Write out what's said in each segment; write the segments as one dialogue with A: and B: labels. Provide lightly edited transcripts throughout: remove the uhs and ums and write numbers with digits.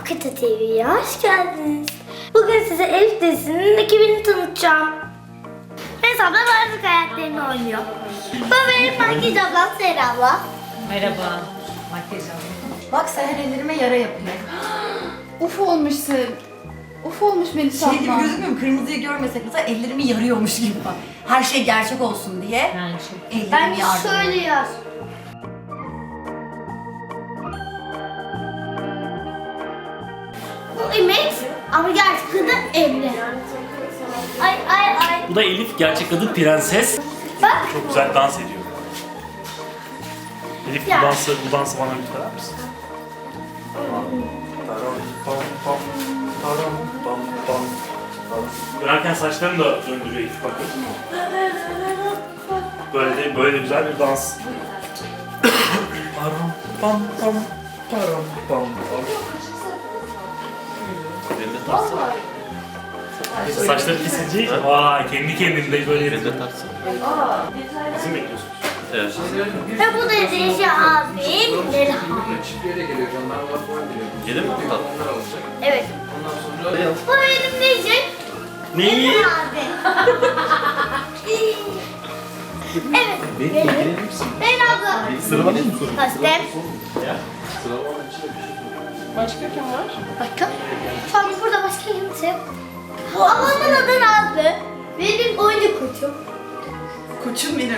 A: Kıta TV'ye hoş geldiniz. Bugün size Elif dizisinin ekibini tanıtacağım. Hesapla bazı karakterini oynuyor. Bu benim makyaj ablam Sera abla.
B: Merhaba. Makyaj aldım.
C: Bak Seher ellerime yara yapıyor.
D: Uf olmuşsun. Uf olmuş Melisa
C: Şey gibi
D: abla.
C: gözükmüyor mu? Kırmızıyı görmesek mesela ellerimi yarıyormuş gibi bak. Her şey gerçek olsun diye
B: Yani şey.
C: ellerimi
A: Ben
C: yardım.
A: şöyle yaz. Bu İmek ama gerçek adı Emre. Ay ay ay.
E: Bu da Elif, gerçek adı Prenses.
A: Bak.
E: Çok güzel dans ediyor. Elif
A: Ya.
E: bu dansı bana lütfen misin? Dönerken saçlarını da döndürüyor Elif, bakın. Böyle de güzel bir dans. Param pam pam param pam pam. Saçları kesilecek. Vay, kendi kendinde böyle yapıyor. Bizim bekliyorsunuz.
F: Evet.
A: Ve bu da Reji abim Nelha.
F: Yedi mi? Tamam.
A: Evet. Bu benim Reji.
E: Neyi?
A: Nelha abi. Evet. Nelha abla.
F: Sıralamayı mı sorun?
A: Kastem.
D: Başka kim var?
A: Bakın. Şu an burada başka kimse yok. Bu ablamın adı Nazlı. Benim oyuncu koçum.
C: Koçum benim.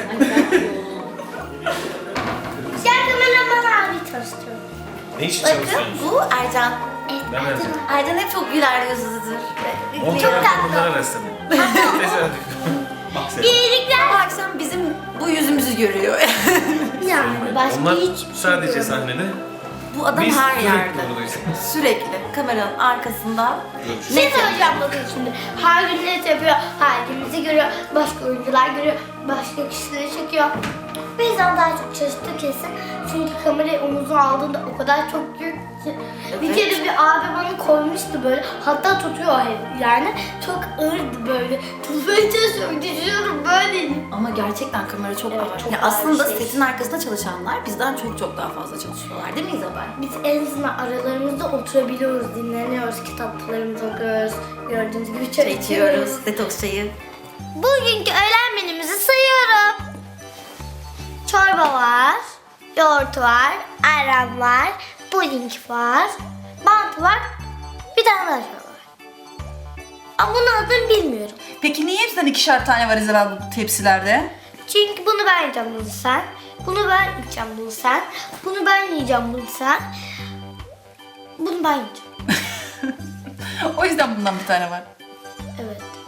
A: Gel kameraman abi tanıştırıyorum.
F: Ne iş için
C: Bakın
F: çalışıyorsunuz?
C: bu Ercan.
A: Evet,
F: Ben Ercan.
C: Ercan hep çok güler yüzlüdür.
A: Çok tatlı.
F: Bunlara rastladım. Tesadüf. Bak sen.
A: İyilikler.
C: Bu akşam bizim bu yüzümüzü görüyor.
A: Yani başka
F: Onlar
A: hiçbir şey
F: sadece
A: yok.
F: sahnede.
C: Bu adam
F: Biz
C: her
F: sürekli
C: yerde.
F: buradayız.
C: Sürekli kameranın arkasında.
A: Bir şey söyleyeceğim bakın şimdi. Her gün net yapıyor, her gün bizi görüyor, başka oyuncular görüyor, başka kişileri çekiyor. Bizden daha çok çalıştı kesin. Çünkü kamerayı omuzuna aldığında o kadar çok büyük ki. Bir
C: Evet.
A: kere bir abi bana koymuştu böyle. Hatta tutuyor hep yani. Çok ağırdı böyle. Tutmaya çalışıyorum, düşüyorum böyle.
C: Ama gerçekten kamera çok
A: Evet,
C: ağır.
A: çok
C: Ya
A: ağır
C: aslında
A: bir şey.
C: setin arkasında çalışanlar bizden çok daha fazla çalışıyorlar değil mi İzabel?
A: Biz en azından aralarımızda oturabiliyoruz, dinleniyoruz, kitaplarımızı okuyoruz. Gördüğünüz gibi çay
C: İçiyoruz detoks çayı.
A: Bugünkü öğlen menümüzü sayıyorum. Çorba var, yoğurt var, ayran var, puding var, mantı var, bir tane daha şey var. Ama bunun adını bilmiyorum.
G: Peki niye hepsinden ikişer tane var İzabel bu tepsilerde?
A: Çünkü bunu ben yiyeceğim, bunu sen. Bunu ben yiyeceğim, bunu sen. Bunu ben yiyeceğim, bunu sen. Bunu ben yiyeceğim.
G: O yüzden bundan bir tane var.
A: Evet.